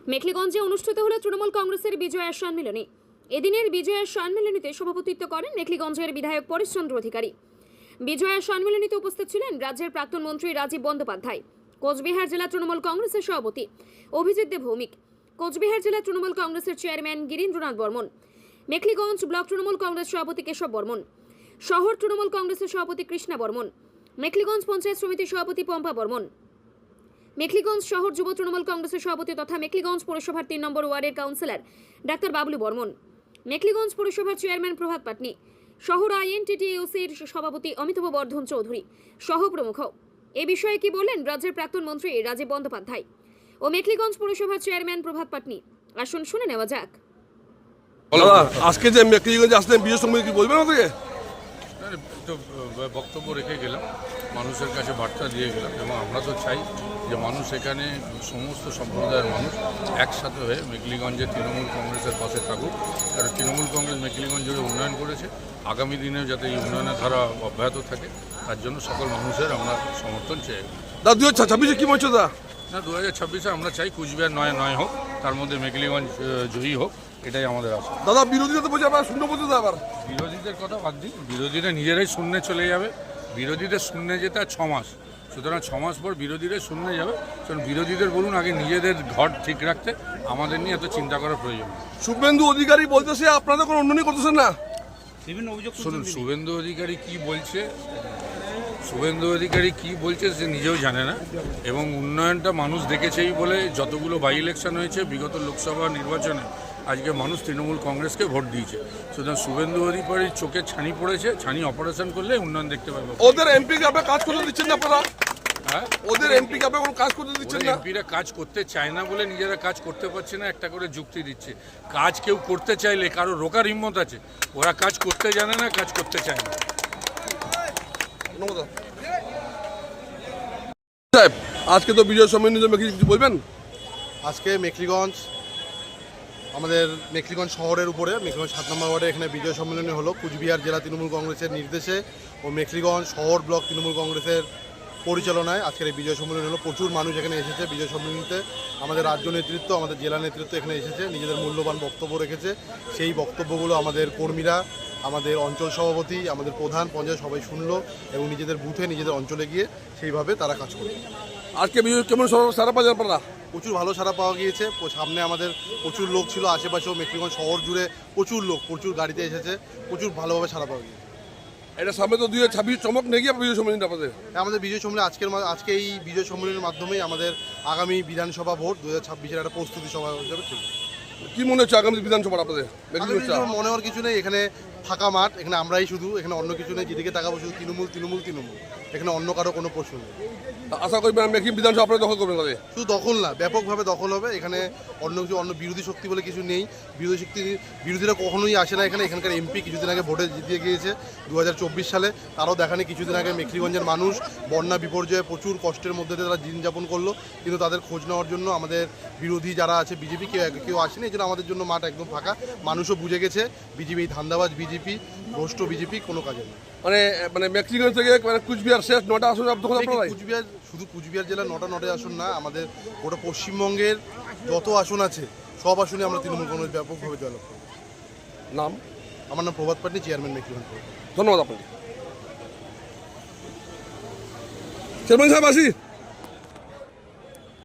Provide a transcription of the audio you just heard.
মেখলিগঞ্জে অনুষ্ঠিত হলো তৃণমূল কংগ্রেসের বিজয়া সম্মেলনী। এদিনের বিজয়া সম্মেলনীতে সভাপতিত্ব করেন মেখলিগঞ্জের বিধায়ক পরেশচন্দ্র অধিকারী। বিজয়া সম্মেলনীতে উপস্থিত ছিলেন রাজ্যের প্রাক্তন মন্ত্রী রাজীব বন্দ্যোপাধ্যায়, কোচবিহার জেলা তৃণমূল কংগ্রেসের সভাপতি অভিজিৎ দে ভৌমিক, কোচবিহার জেলা তৃণমূল কংগ্রেসের চেয়ারম্যান গিরীন্দ্রনাথ বর্মন, মেখলিগঞ্জ ব্লক তৃণমূল কংগ্রেস সভাপতি কেশব বর্মন, শহর তৃণমূল কংগ্রেসের সভাপতি কৃষ্ণা বর্মন, মেখলিগঞ্জ পঞ্চায়েত সমিতির সভাপতি পম্পা বর্মন, মেখলিগঞ্জ শহর যুব তৃণমূল কংগ্রেসের সভাপতি তথা মেখলিগঞ্জ পৌরসভার 3 নম্বর ওয়ার্ডের কাউন্সিলর ডাক্তার বাবলু বর্মন, মেখলিগঞ্জ পৌরসভার চেয়ারম্যান প্রভাত পাটনি, শহর আইএনটিটিইউসির সভাপতি অমিতাভ বর্ধন চৌধুরী সহ প্রমুখ। এ বিষয়ে কি বললেন রাজ্যের প্রাক্তন মন্ত্রী রাজীব বন্দ্যোপাধ্যায় ও মেখলিগঞ্জ পৌরসভার চেয়ারম্যান প্রভাত পাটনি, আসুন শুনে নেওয়া যাক। আজকে যে মেখলিগঞ্জে আসলেন বিজয় সম্মেলনী কি বলবেন আমাদেরকে? তো বক্তব্য রেখে গেলাম, মানুষের কাছে বার্তা দিয়ে গেলাম এবং আমরা তো চাই যে মানুষ এখানে সমস্ত সম্প্রদায়ের মানুষ একসাথে হয়ে মেখলিগঞ্জে তৃণমূল কংগ্রেসের পাশে থাকুক। কারণ তৃণমূল কংগ্রেস মেখলিগঞ্জ জুড়ে উন্নয়ন করেছে, আগামী দিনেও যাতে এই উন্নয়নের ধারা অব্যাহত থাকে তার জন্য সকল মানুষের আমরা সমর্থন চাই। 2026-এ কি বলছো দা? না, 2026-এ আমরা চাই কুচবিহার নয় হোক, তার মধ্যে মেখলিগঞ্জ জয়ী হোক, এটাই আমাদের আশা। দাদা বিরোধীরা তো বলছে আপনারা শূন্য বলতে আবার বিরোধীদের কথা বাদ দিন, বিরোধীরা নিজেরাই শূন্যে চলে যাবে। বিরোধীদের শূন্যে যেতে আর 6 মাস, সুতরাং 6 মাস পর বিরোধীরা শূন্যে যাবে। কারণ বিরোধীদের বলুন আগে নিজেদের ঘর ঠিক রাখতে, আমাদের নিয়ে এত চিন্তা করার প্রয়োজন। শুভেন্দু অধিকারী বলতেছে আপনারা কোনো উন্নয়ন করতেছেন না। শুনুন, শুভেন্দু অধিকারী কি বলছে, শুভেন্দু অধিকারী কি বলছে সে নিজেও জানে না এবং উন্নয়নটা মানুষ দেখেছেই বলে যতগুলো বাই ইলেকশন হয়েছে বিগত লোকসভা নির্বাচনে আজকে মানুষ তৃণমূল কংগ্রেসকে ভোট দিয়েছে। সুতরাং শুভেন্দু অধিকারীর চোখে ছানি পড়েছে, ছানি অপারেশন করলে উন্নয়ন দেখতে পাবে। ওদের এমপি কে আপনারা কাজ করতে দিচ্ছেন না আপনারা? হ্যাঁ, ওদের এমপি কে আপনারা কোনো কাজ করতে দিচ্ছেন না? এমপিরা কাজ করতে চায় না বলে নিজেরা কাজ করতে পারছে না, একটা করে যুক্তি দিচ্ছে। কাজ কেউ করতে চাইলে কারো রোকার হিম্মত আছে, ওরা কাজ করতে জানে না, কাজ করতে চায় না। সাহেব আজকে তো বিজয় সম্মেলনী কিছু বলবেন? আজকে মেখলিগঞ্জ, আমাদের মেখলিগঞ্জ শহরের উপরে মেখলিগঞ্জ 7 নম্বর ওয়ার্ডে এখানে বিজয় সম্মেলনী হলো কুচবিহার জেলা তৃণমূল কংগ্রেসের নির্দেশে ও মেখলিগঞ্জ শহর ব্লক তৃণমূল কংগ্রেসের পরিচালনায় আজকের এই বিজয় সম্মেলনী হলো। প্রচুর মানুষ এখানে এসেছে বিজয় সম্মেলনীতে। আমাদের রাজ্য নেতৃত্ব, আমাদের জেলা নেতৃত্ব এখানে এসেছে, নিজেদের মূল্যবান বক্তব্য রেখেছে। সেই বক্তব্যগুলো আমাদের কর্মীরা, আমাদের অঞ্চল সভাপতি, আমাদের প্রধান পঞ্চায়েত সবাই শুনলো এবং নিজেদের বুথে নিজেদের অঞ্চলে গিয়ে সেইভাবে তারা কাজ করবে। আজকে বিজয় কেমন সারা পাওয়া আপনারা? প্রচুর ভালো সাড়া পাওয়া গিয়েছে। সামনে আমাদের প্রচুর লোক ছিল, আশেপাশেও মেখলিগঞ্জ শহর জুড়ে প্রচুর লোক, প্রচুর গাড়িতে এসেছে, প্রচুর ভালোভাবে সাড়া পাওয়া গিয়েছে। এটা সামনে তো 2026 চমক নেই বিজয় সম্মেলনী আপনাদের? আমাদের বিজয় সম্মেলনী আজকে এই বিজয় সম্মেলনের মাধ্যমেই আমাদের আগামী বিধানসভা ভোট 2026-এর একটা প্রস্তুতি সভা হিসাবে ঠিক। কি মনে হচ্ছে আগামী বিধানসভা আপনাদের? মনে হওয়ার কিছু নেই, এখানে ফাঁকা মাঠ, এখানে আমরাই শুধু, এখানে অন্য কিছু নেই। যেদিকে তাকাবো শুধু তৃণমূল তৃণমূল তৃণমূল, এখানে অন্য কারো কোনো প্রশ্ন নেই। আশা করি মেখলিগঞ্জ বিধানসভা আপনারা দখল করবেন? তাহলে শুধু দখল না, ব্যাপকভাবে দখল হবে। এখানে অন্য বিরোধী শক্তি বলে কিছু নেই। বিরোধীরা কখনোই আসে না এখানে। এখানকার এমপি কিছুদিন আগে ভোটে জিতিয়ে গিয়েছে 2024 সালে। তারাও দেখানি কিছুদিন আগে মেখলিগঞ্জের মানুষ বন্যা বিপর্যয়ে প্রচুর কষ্টের মধ্যে দিয়ে তারা দিন যাপন করলো, কিন্তু তাদের খোঁজ নেওয়ার জন্য আমাদের বিরোধী যারা আছে বিজেপি কেউ আসেনি। এই জন্য আমাদের জন্য মাঠ একদম ফাঁকা। মানুষও বুঝে গেছে বিজেপি ধান্দাবাজ বিজেপি, ভ্রষ্ট বিজেপি কোনো কাজে নেই। মানে মেখলিগঞ্জ থেকে কুচবিহার শেষ 9টা আসন কুচবিহার, শুধু কুচবিহার জেলার 9টা আসন না, আমাদের গোটা পশ্চিমবঙ্গের যত আসন আছে সব আসনে আমরা তৃণমূল কংগ্রেস ব্যাপকভাবে জয়লাভ করব। নাম? আমার নাম প্রভাত পাটনি, চেয়ারম্যান মেখলিগঞ্জ। ধন্যবাদ আপনাকে। চেয়ারম্যান সাহেব আসি।